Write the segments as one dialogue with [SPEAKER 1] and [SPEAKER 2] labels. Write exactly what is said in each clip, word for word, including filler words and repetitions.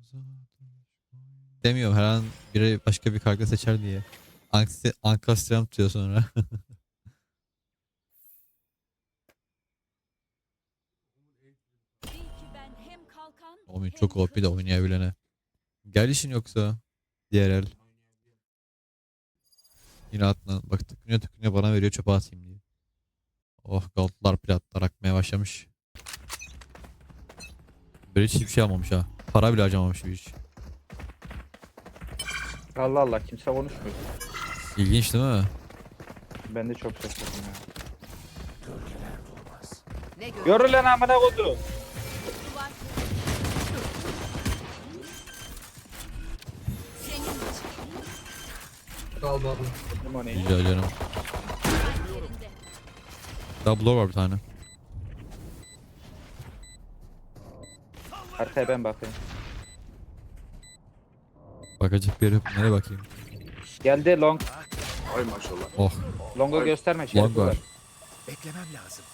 [SPEAKER 1] Demiyorum her an biri başka bir karga seçer diye. Anksi, ankastram diyor sonra. Oğlum çok O P de oynayabilene. Gel işin yoksa. Diğer el. Yine atla. Bak tıkınıyor tıkınıyor bana veriyor çöpe atayım diye. Oh goldlar platlar akmaya başlamış. Böyle hiç hiçbir şey almamış ha. Para bile harcamamış bir iş.
[SPEAKER 2] Allah Allah kimse konuşmuyor.
[SPEAKER 1] İlginç değil mi?
[SPEAKER 2] Ben de çok şaşırdım ya. Yürü lan amına koyduğum.
[SPEAKER 3] Kaldı abi.
[SPEAKER 2] Limonu.
[SPEAKER 1] Rica canım. Double var bir tane.
[SPEAKER 2] Arkaya ben bakayım.
[SPEAKER 1] Bakacak bir yer yok. Nereye bakayım?
[SPEAKER 2] Geldi long.
[SPEAKER 3] Ay maşallah.
[SPEAKER 1] Oh.
[SPEAKER 2] Long'u gösterme.
[SPEAKER 1] Long
[SPEAKER 2] Şerif
[SPEAKER 1] var.
[SPEAKER 2] var.
[SPEAKER 4] Beklemem lazım.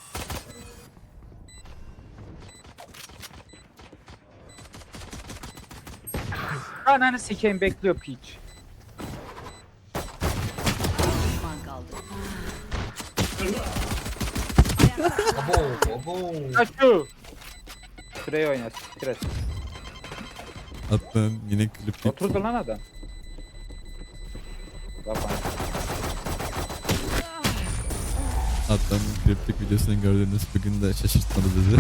[SPEAKER 2] Ananı sikeyim bekliyor piç.
[SPEAKER 5] Düşman kaldı.
[SPEAKER 3] Abo abo.
[SPEAKER 2] Kaçıyor. Şuraya oyna. Stres.
[SPEAKER 1] Attın yine klip.
[SPEAKER 2] Oturdu lan adam. Bak bana.
[SPEAKER 1] Attın kliplik videosunu gördüğünüz bugün de şaşırtmadı bizi.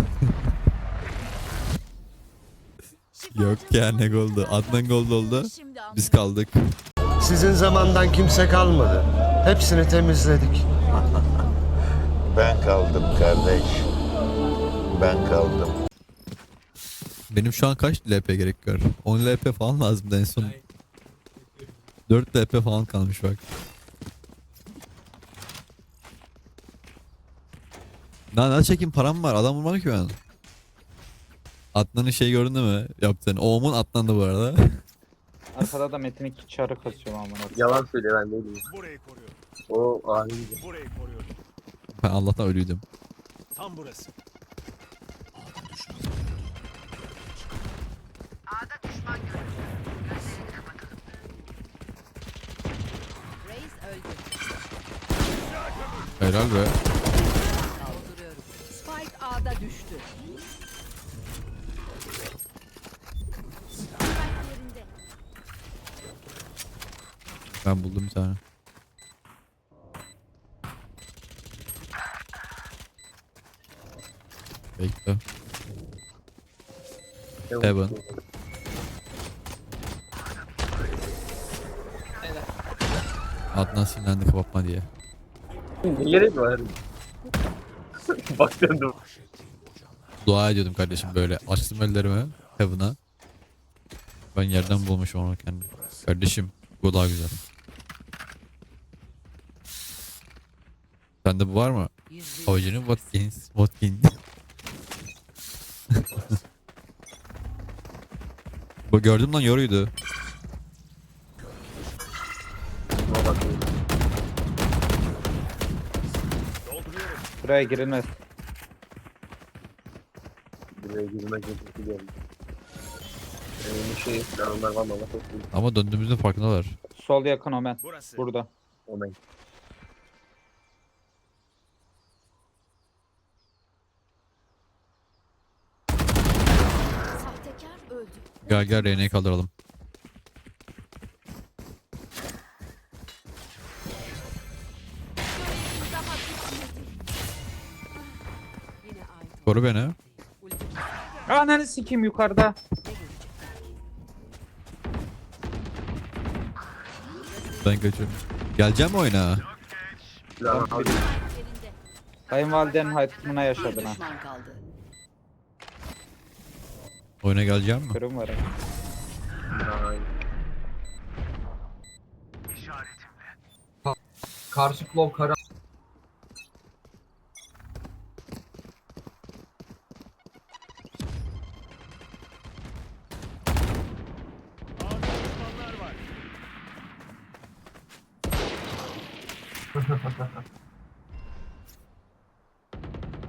[SPEAKER 1] Yok ya ne goldu. Adnan gol oldu. Biz kaldık.
[SPEAKER 6] Sizin zamandan kimse kalmadı. Hepsini temizledik.
[SPEAKER 7] Ben kaldım kardeş. Ben kaldım.
[SPEAKER 1] Benim şu an kaç L P gerek var? on L P falan lazımdı en son. dört L P falan kalmış bak. Daha ne çekeyim param var adam vurmadı ki ben. Adnan'ın şey gördün mü? Yaptığını. Oğumun Adnan'dı bu arada.
[SPEAKER 2] Arkada da Metin iki çarı kasıyor amına.
[SPEAKER 3] Yalan söylüyor ben değilim.
[SPEAKER 4] Burayı koruyorum.
[SPEAKER 3] O ahiydi.
[SPEAKER 4] Burayı koruyorum.
[SPEAKER 1] Ben Allah'tan ölüydüm.
[SPEAKER 4] Tam burası.
[SPEAKER 5] Reis öldü.
[SPEAKER 1] Helal be.
[SPEAKER 5] Dolduruyorum. Spike A'da düştü.
[SPEAKER 1] Ben buldum bir tane. Bekle. Heaven. Adnan sinirlendi kapatma diye.
[SPEAKER 3] Ne gerek var? Bak döndüm.
[SPEAKER 1] Dua ediyordum kardeşim böyle. Açtım ellerimi Heaven'a. Ben yerden bulmuşum onu kendim. Kardeşim bu daha güzel. Sende bu var mı?
[SPEAKER 5] Yüz
[SPEAKER 1] Avcının Watkins. Watkins. Bu gördüm lan yoruydu.
[SPEAKER 3] Ama bak.
[SPEAKER 2] Buraya girilmez.
[SPEAKER 3] Buraya girmek için geldi. Ee, bir şey planlar var mı? Allah korusun.
[SPEAKER 1] Ama döndüğümüzde farkındalar.
[SPEAKER 2] Sol yakın Omen.
[SPEAKER 4] Burası.
[SPEAKER 2] Burada.
[SPEAKER 3] Omen.
[SPEAKER 5] Sahtekar öldü.
[SPEAKER 1] Gel gel R'yi kaldıralım.
[SPEAKER 5] Yine aynı.
[SPEAKER 1] Koru beni.
[SPEAKER 2] Ananı sikeyim yukarıda.
[SPEAKER 1] Ben kaçıyorum. Geleceğim mi oyuna?
[SPEAKER 3] Plan abi.
[SPEAKER 5] Elinde.
[SPEAKER 2] Kayınvalidenin hayatımına
[SPEAKER 5] Bir
[SPEAKER 2] yaşadın ha.
[SPEAKER 5] düşman kaldı.
[SPEAKER 1] Oyuna geleceğim mi?
[SPEAKER 2] Kırım var.
[SPEAKER 3] Ay.
[SPEAKER 8] Karşı klov kara.
[SPEAKER 4] Ağda düşmanlar var.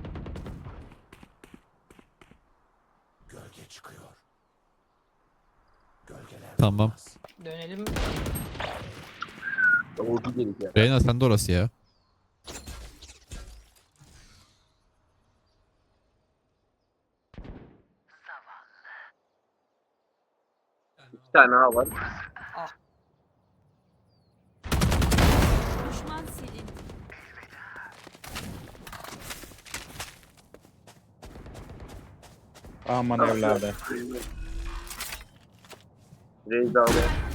[SPEAKER 4] Gölge çıkıyor.
[SPEAKER 1] Tamam.
[SPEAKER 8] Dönelim.
[SPEAKER 3] Ordu gelik ya.
[SPEAKER 1] Reyna sen de orası ya.
[SPEAKER 3] İki tane A var.
[SPEAKER 5] Düşman silindi.
[SPEAKER 2] Aman evladı.
[SPEAKER 3] Reis abi.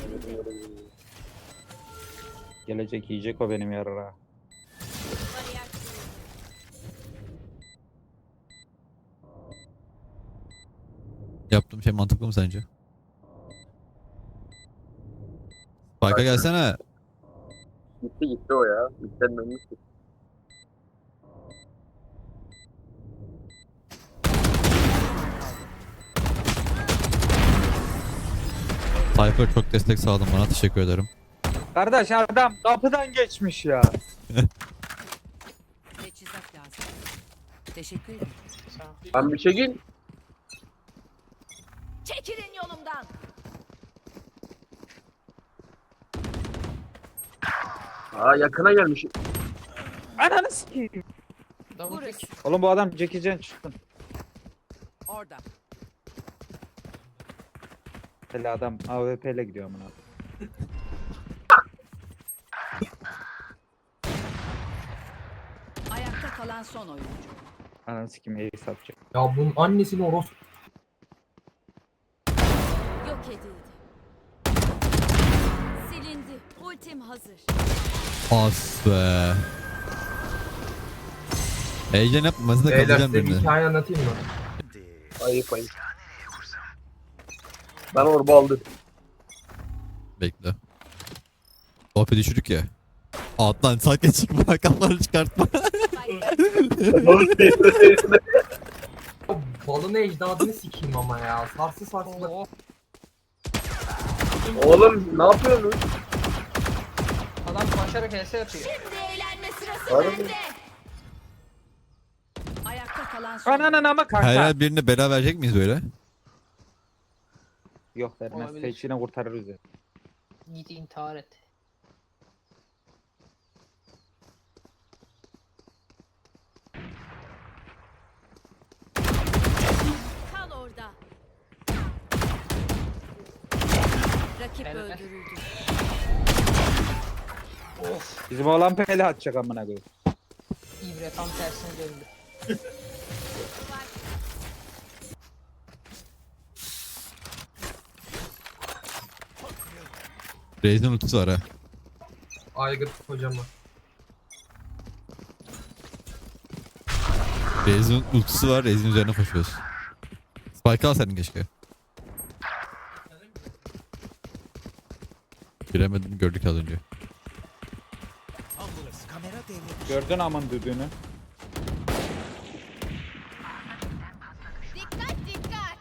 [SPEAKER 2] Gelecek yiyecek o benim yarara.
[SPEAKER 5] Bariyer kuruldu.
[SPEAKER 1] Yaptığım şey mantıklı mı sence? Spike'a gelsene.
[SPEAKER 3] Gitti gitti o ya. Gitten dönmüştü.
[SPEAKER 1] Cypher çok destek sağladın bana, teşekkür ederim.
[SPEAKER 2] Kardeş adam kapıdan geçmiş ya.
[SPEAKER 5] Teçhizat lazım. Teşekkür ederim.
[SPEAKER 3] Ben bir çekil.
[SPEAKER 5] Çekilin yolumdan.
[SPEAKER 3] Aa yakına gelmiş.
[SPEAKER 2] Ananı sikeyim.
[SPEAKER 8] Double
[SPEAKER 5] Burası.
[SPEAKER 8] pick.
[SPEAKER 2] Oğlum bu adam Jackie Chan çıktı.
[SPEAKER 5] Orada.
[SPEAKER 2] Hele adam A W P ile gidiyor amına.
[SPEAKER 5] Ayakta kalan son oyuncu.
[SPEAKER 2] Ananı sikeyim iyi satacak.
[SPEAKER 9] Ya bunun annesini oros
[SPEAKER 5] Yok edildi. Silindi. Ultim hazır.
[SPEAKER 1] As be. Heyecan yapma, da
[SPEAKER 9] Beyler
[SPEAKER 1] kalacağım
[SPEAKER 9] size bir
[SPEAKER 1] birini.
[SPEAKER 9] hikaye anlatayım mı?
[SPEAKER 3] Ayıp ayıp. Ben orba aldım.
[SPEAKER 1] Bekle. O P düşürük ya. Alttan sakin çıkma, kafaları çıkartma.
[SPEAKER 9] O balını ecdadını sikeyim ama ya. Sarsı sarsı.
[SPEAKER 8] Oo.
[SPEAKER 3] Oğlum ne yapıyorsun?
[SPEAKER 8] Adam başarı H S yapıyor.
[SPEAKER 5] Şimdi eğlenme sırası
[SPEAKER 3] Harbi.
[SPEAKER 5] bende. Ayakta kalan son
[SPEAKER 2] Ananın ama kanka.
[SPEAKER 1] Her her birine bela verecek miyiz böyle?
[SPEAKER 2] Yok vermez.
[SPEAKER 8] Olabilir.
[SPEAKER 2] Seçine kurtarırız ya.
[SPEAKER 8] Git intihar et.
[SPEAKER 5] Kal orada. Rakip
[SPEAKER 8] Evet.
[SPEAKER 5] öldürüldü.
[SPEAKER 8] Of.
[SPEAKER 2] Bizim oğlan pele atacak amına koyayım.
[SPEAKER 8] İbre tam tersine döndü.
[SPEAKER 1] Reis'in ultisi var ha.
[SPEAKER 9] Aygıt hocama.
[SPEAKER 1] Reis'in ultisi var, Reis'in üzerine koşuyoruz. Spike alsaydın keşke. Giremedim, gördük az önce.
[SPEAKER 4] Tam burası. Kamera devrede.
[SPEAKER 2] Gördün amın düdüğünü.
[SPEAKER 5] Dikkat dikkat.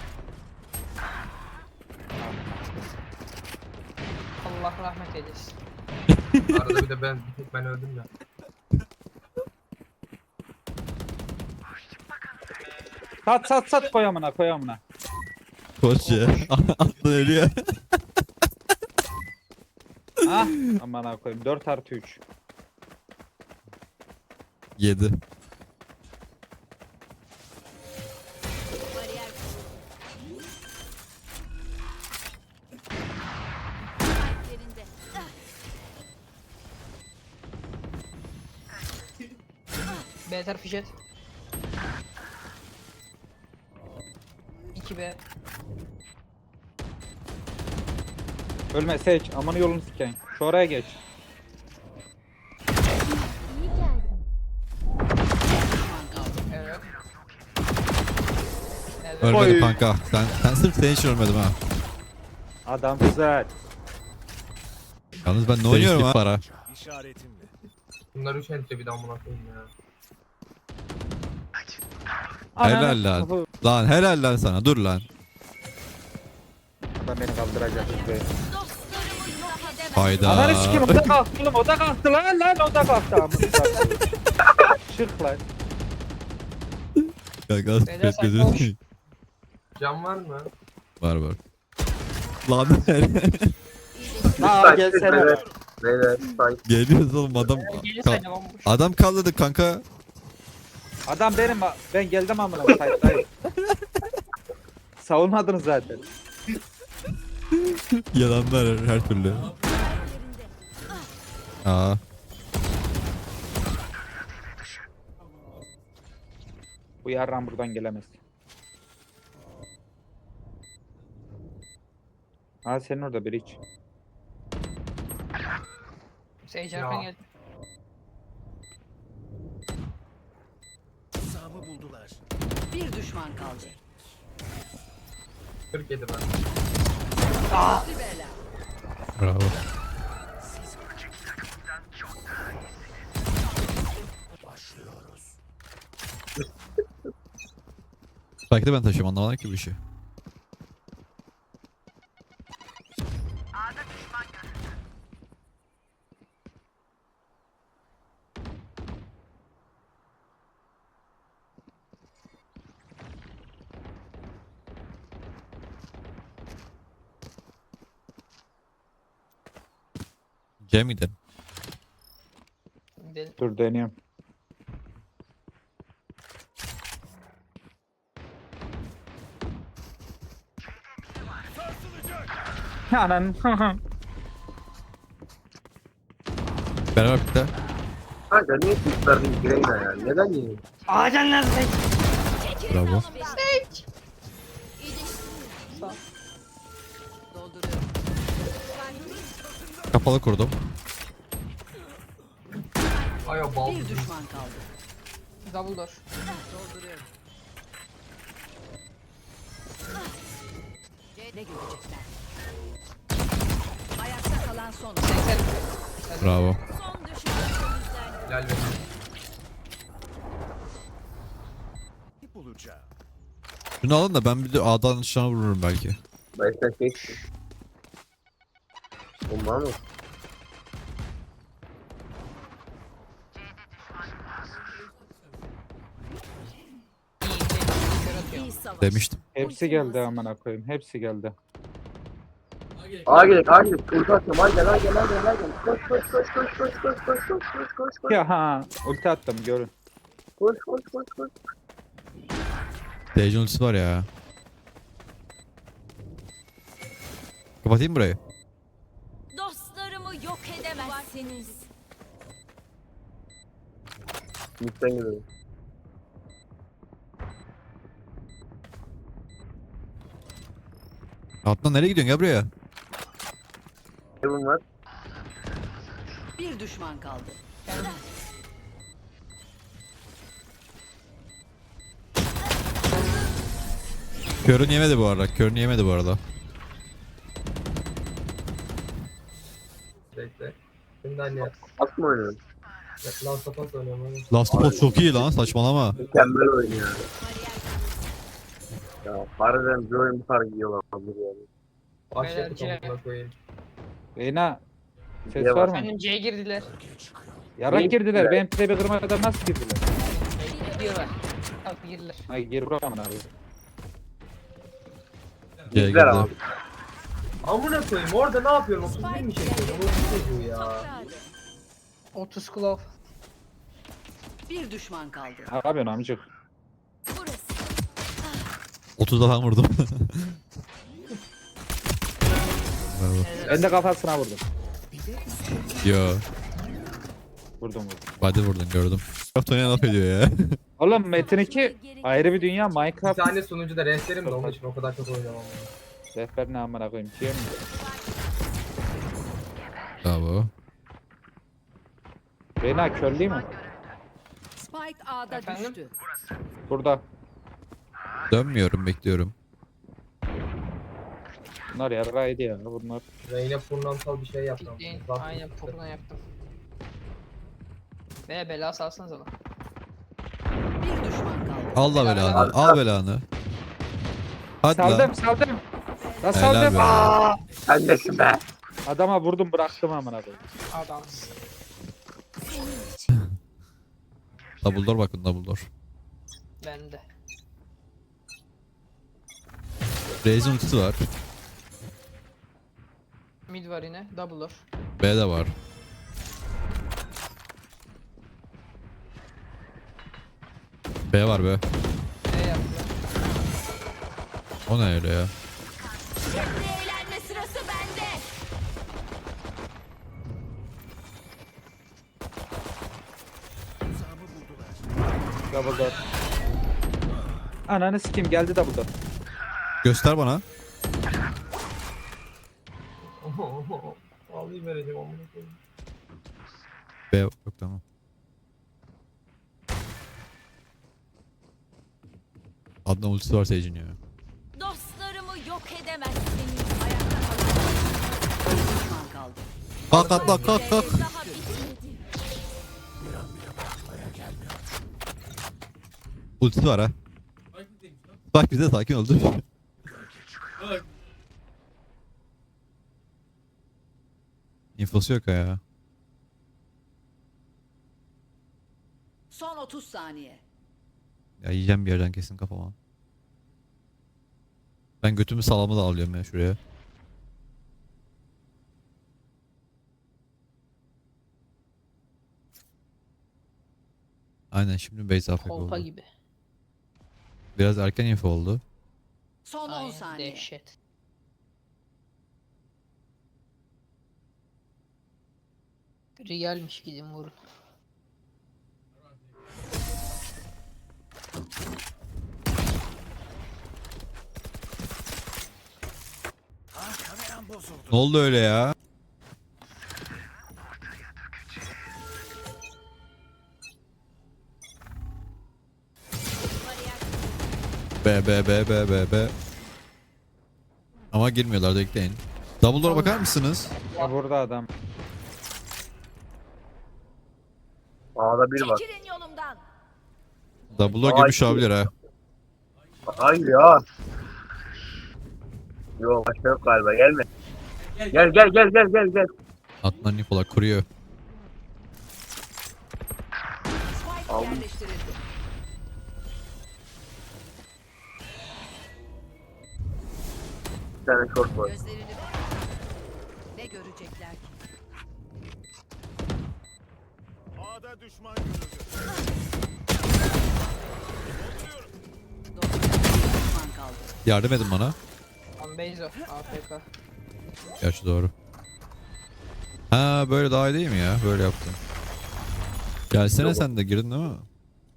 [SPEAKER 8] Allah rahmet eylesin.
[SPEAKER 9] Arada bir de ben bir tek ben öldüm ya.
[SPEAKER 2] Sat sat sat koy amına koy amına.
[SPEAKER 1] Koş ya. Aklın ölüyor.
[SPEAKER 2] Ah amına koyayım dört artı üç.
[SPEAKER 1] Yedi.
[SPEAKER 5] Bariyer kuruldu. Kalp yerinde. Ah,
[SPEAKER 8] B tarafı jet. iki B.
[SPEAKER 2] Ölme seç amanı yolunu sikeyim. Şu oraya geç.
[SPEAKER 8] Evet. Evet.
[SPEAKER 1] Ölmedim
[SPEAKER 2] Oy.
[SPEAKER 1] kanka. Sen, sen sırf senin için ölmedim ha.
[SPEAKER 2] Adam güzel.
[SPEAKER 1] Yalnız ben ne oynuyorum ha? Para.
[SPEAKER 4] İşaretimle.
[SPEAKER 9] Bunlar üç ente bir daha amına koyayım ya.
[SPEAKER 1] Helal lan.
[SPEAKER 2] Kapı-
[SPEAKER 1] Lan helal lan sana, dur lan.
[SPEAKER 2] Lan beni kaldıracak be.
[SPEAKER 5] dostlarımı yok edemem.
[SPEAKER 1] Hayda.
[SPEAKER 2] Ananı sikeyim o da kalktı oğlum o da kalktı lan lan o da kalktı amına. Şırk lan.
[SPEAKER 1] Kanka az
[SPEAKER 8] Beyler sen
[SPEAKER 1] bekledin.
[SPEAKER 8] koş.
[SPEAKER 9] Cam var mı?
[SPEAKER 1] Var var. Lan
[SPEAKER 2] Ha gelsene.
[SPEAKER 3] Beyler, beyler, say.
[SPEAKER 1] geliyoruz oğlum adam.
[SPEAKER 8] Gelin
[SPEAKER 1] Ka-
[SPEAKER 8] sen de bomboş.
[SPEAKER 1] adam kaldırdı kanka.
[SPEAKER 2] Adam benim. Ben geldim amına koyayım. Hayır. Savunmadınız zaten.
[SPEAKER 1] Yalanlar her, her türlü. Aa.
[SPEAKER 2] Bu yarran buradan gelemez. Ha senin orada bir iç.
[SPEAKER 8] Sage
[SPEAKER 9] Ya.
[SPEAKER 8] arkan geldi.
[SPEAKER 4] Tuzağımı buldular.
[SPEAKER 5] Bir düşman kaldı.
[SPEAKER 9] kırk yedi ben.
[SPEAKER 1] Bravo. Belki de ben taşıyorum anlamadım ki bu işi. Cem gidelim.
[SPEAKER 8] Gidelim.
[SPEAKER 2] Dur dönüyorum. Anan.
[SPEAKER 1] Beraber bitti.
[SPEAKER 3] Kanka niye tuttardın Greyna ya? Neden yiyin?
[SPEAKER 8] Ağacan nerede Sage?
[SPEAKER 1] Bravo.
[SPEAKER 5] Dolduruyorum.
[SPEAKER 1] Kapalı kurdum.
[SPEAKER 9] Ay o bal.
[SPEAKER 5] Bir düşman kaldı.
[SPEAKER 8] Double door.
[SPEAKER 5] Dolduruyorum. Ne görecekler? Ayakta kalan son.
[SPEAKER 8] seksen.
[SPEAKER 1] Bravo.
[SPEAKER 5] Son düşman temizlendi.
[SPEAKER 9] Helal be.
[SPEAKER 4] Bulacağım.
[SPEAKER 1] Şunu alın da ben bir de A'dan dışına vururum belki.
[SPEAKER 3] Başta geçti. Olmaz mı?
[SPEAKER 8] İyi, iyi. Kör atıyor.
[SPEAKER 5] İyi savaş.
[SPEAKER 1] Demiştim.
[SPEAKER 2] Hepsi geldi amına koyayım. Hepsi geldi.
[SPEAKER 3] Ağa gerek, ağa gerek. Ulti atıyorum. Ay gel, ay gel, ay gel, ay gel. Koş, koş, koş, koş, koş, koş, koş, koş, koş, koş, koş.
[SPEAKER 2] Ya ha ulti attım görün.
[SPEAKER 3] Koş, koş, koş, koş.
[SPEAKER 1] Dejan ultisi var ya. Kapatayım burayı.
[SPEAKER 5] Dostlarımı yok edemezsiniz.
[SPEAKER 3] Midden gidelim.
[SPEAKER 1] Atlan nereye gidiyorsun ya buraya?
[SPEAKER 3] Heaven var.
[SPEAKER 5] Bir düşman kaldı.
[SPEAKER 1] Körün yemedi bu arada. Körün yemedi bu arada.
[SPEAKER 9] Bekle. Şimdi hani yap.
[SPEAKER 3] At mı oynuyorsun?
[SPEAKER 9] Lan sapan söylüyorum hani.
[SPEAKER 1] Last of Us çok iyi lan saçmalama.
[SPEAKER 3] Mükemmel oyun ya. Ya harbiden bir oyun bu kadar iyi olabilir yani.
[SPEAKER 9] Başladı
[SPEAKER 8] Beyler,
[SPEAKER 9] kamına koyayım.
[SPEAKER 2] Reyna. Ses
[SPEAKER 3] Niye
[SPEAKER 2] var
[SPEAKER 3] var?
[SPEAKER 2] mı?
[SPEAKER 8] Efendim C'ye girdiler.
[SPEAKER 2] Yarak
[SPEAKER 3] Neyi
[SPEAKER 2] girdiler.
[SPEAKER 3] girdiler?
[SPEAKER 2] Benim trebi kırmadan nasıl girdiler?
[SPEAKER 8] Gidiyorlar. Kalk girdiler.
[SPEAKER 2] Ay gir buraya amına koyayım.
[SPEAKER 1] C'ye
[SPEAKER 3] Bizler
[SPEAKER 1] girdi.
[SPEAKER 3] abi.
[SPEAKER 9] Amına koyayım orada ne yapıyorum? otuz bir mi çekiyorum? otuz bu ya.
[SPEAKER 8] otuz Claw.
[SPEAKER 5] Bir düşman kaldı.
[SPEAKER 2] Ne yapıyorsun amcık?
[SPEAKER 5] Burası.
[SPEAKER 1] otuz falan vurdum. Bravo.
[SPEAKER 2] Ben de kafasına vurdum.
[SPEAKER 1] Yo.
[SPEAKER 2] Vurdum vurdum.
[SPEAKER 1] Body vurdun gördüm. Craft oynayan laf ediyor ya.
[SPEAKER 2] Oğlum Metin iki ayrı bir dünya.
[SPEAKER 9] Bir
[SPEAKER 2] Minecraft
[SPEAKER 9] tane sunucu da rehberim de onun için o kadar çok oynamam.
[SPEAKER 2] rehber ne amına koyayım. Şey mi?
[SPEAKER 1] Bravo.
[SPEAKER 2] Reyna körlüğü mü?
[SPEAKER 5] Spike A'da
[SPEAKER 8] Efendim?
[SPEAKER 5] düştü.
[SPEAKER 2] Burada.
[SPEAKER 1] Dönmüyorum bekliyorum.
[SPEAKER 2] Bunlar yarraydı ya bunlar.
[SPEAKER 9] Reyne purnantal bir şey yaptım.
[SPEAKER 8] Pikleyin.
[SPEAKER 9] Bak,
[SPEAKER 8] Aynen puruna yaptım. Ve bela salsanız lan.
[SPEAKER 5] Bir düşman kaldı.
[SPEAKER 1] Al da belanı. Al belanı. Hadi lan.
[SPEAKER 2] Saldım saldım.
[SPEAKER 1] Helal
[SPEAKER 2] La saldım.
[SPEAKER 1] be.
[SPEAKER 2] Aa!
[SPEAKER 3] Sen nesin be?
[SPEAKER 2] Adama vurdum bıraktım amına koyayım.
[SPEAKER 8] Adamsın.
[SPEAKER 1] Dumbledore bakın Dumbledore.
[SPEAKER 8] Ben de.
[SPEAKER 1] Raze'in ultisi var.
[SPEAKER 8] Mid var yine. Double door.
[SPEAKER 1] B de var. B var be.
[SPEAKER 8] E yaptı.
[SPEAKER 1] O ne öyle ya?
[SPEAKER 5] Eğlenme sırası bende.
[SPEAKER 2] Double door. Ananı sikeyim geldi double door.
[SPEAKER 1] Göster bana.
[SPEAKER 9] Alayım vereceğim amına koyayım.
[SPEAKER 1] B yok tamam. Adnan ultisi var Sage'in ya.
[SPEAKER 5] Dostlarımı yok edemezsiniz. Ayakta kalan bir düşman kaldı.
[SPEAKER 1] Kalk Adnan kalk kalk.
[SPEAKER 5] Daha bitmedi.
[SPEAKER 1] Ultisi var ha. Bak bize sakin ol dur. İnfosu yok ya.
[SPEAKER 5] Son otuz saniye.
[SPEAKER 1] Ya yiyeceğim bir yerden kesin kafama. Ben götümü salamı da alıyorum ya şuraya. Aynen şimdi base afk
[SPEAKER 8] Kolpa
[SPEAKER 1] oldu.
[SPEAKER 8] gibi.
[SPEAKER 1] Biraz erken info oldu.
[SPEAKER 5] Son on
[SPEAKER 8] Aynen,
[SPEAKER 5] saniye.
[SPEAKER 8] dehşet. Realmiş gidin vurun.
[SPEAKER 4] Kameram bozuldu.
[SPEAKER 1] Ne oldu öyle ya? B B B B B B. Ama girmiyorlar da ekleyin. Dumbledore'a bakar mısınız?
[SPEAKER 2] Ya burada adam.
[SPEAKER 3] A'da bir var.
[SPEAKER 5] Çekilin yolumdan.
[SPEAKER 1] Dumbledore
[SPEAKER 3] Ay,
[SPEAKER 1] girmiş olabilir ha.
[SPEAKER 3] Hayır ya. Yok başka yok galiba gelme. Gel gel gel gel gel gel.
[SPEAKER 1] Adnan Nikola kuruyor.
[SPEAKER 5] Spike
[SPEAKER 3] Aldım.
[SPEAKER 5] yerleştirildi.
[SPEAKER 3] Bir tane short var.
[SPEAKER 5] Gözlerini ne görecekler ki?
[SPEAKER 4] A'da düşman görüldü.
[SPEAKER 5] Bir düşman kaldı.
[SPEAKER 1] Yardım edin bana.
[SPEAKER 8] Tam Beyzo. A F K.
[SPEAKER 1] Gerçi doğru. Ha böyle daha iyi değil mi ya? Böyle yaptım. Gelsene sen de girdin değil mi?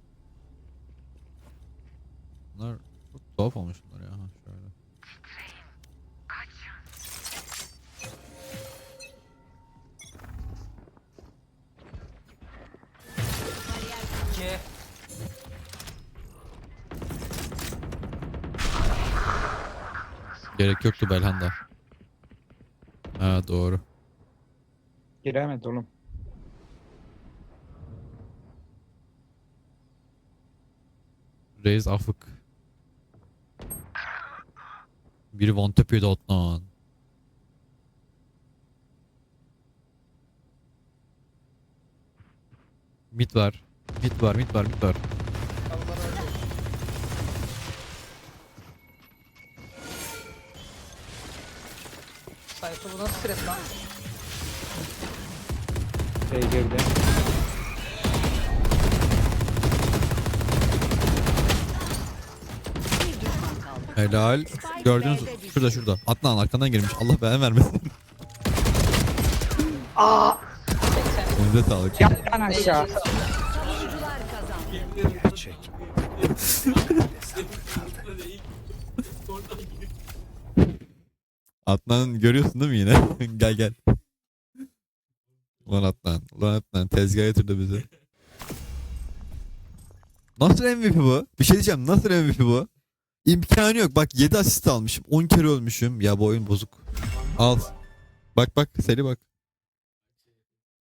[SPEAKER 1] Bunlar çok tuhaf olmuş bunlar ya. Ha, şöyle.
[SPEAKER 8] C.
[SPEAKER 1] Gerek yoktu Belhanda. Ha doğru.
[SPEAKER 2] Giremedi oğlum.
[SPEAKER 1] Reis afık. Biri one tap yedi Adnan. Mid var. Mid var, mid var, mid var.
[SPEAKER 8] Sayfa bu nasıl stres lan?
[SPEAKER 2] Şey girdi.
[SPEAKER 5] Bir düşman kaldı.
[SPEAKER 1] Helal. Gördünüz şurada şurada. Adnan arkandan girmiş. Allah belanı vermesin. Aa. Önünde sağlık.
[SPEAKER 2] Yattan aşağı.
[SPEAKER 5] Savunucular kazandı.
[SPEAKER 4] Çek.
[SPEAKER 1] Adnan görüyorsun değil mi yine? Gel gel. Ulan Adnan. Ulan Adnan tezgaha yatırdı bizi. Nasıl M V P bu? Bir şey diyeceğim. Nasıl M V P bu? İmkanı yok. Bak yedi asist almışım. on kere ölmüşüm. Ya bu oyun bozuk. Al. Bak bak. Seri bak.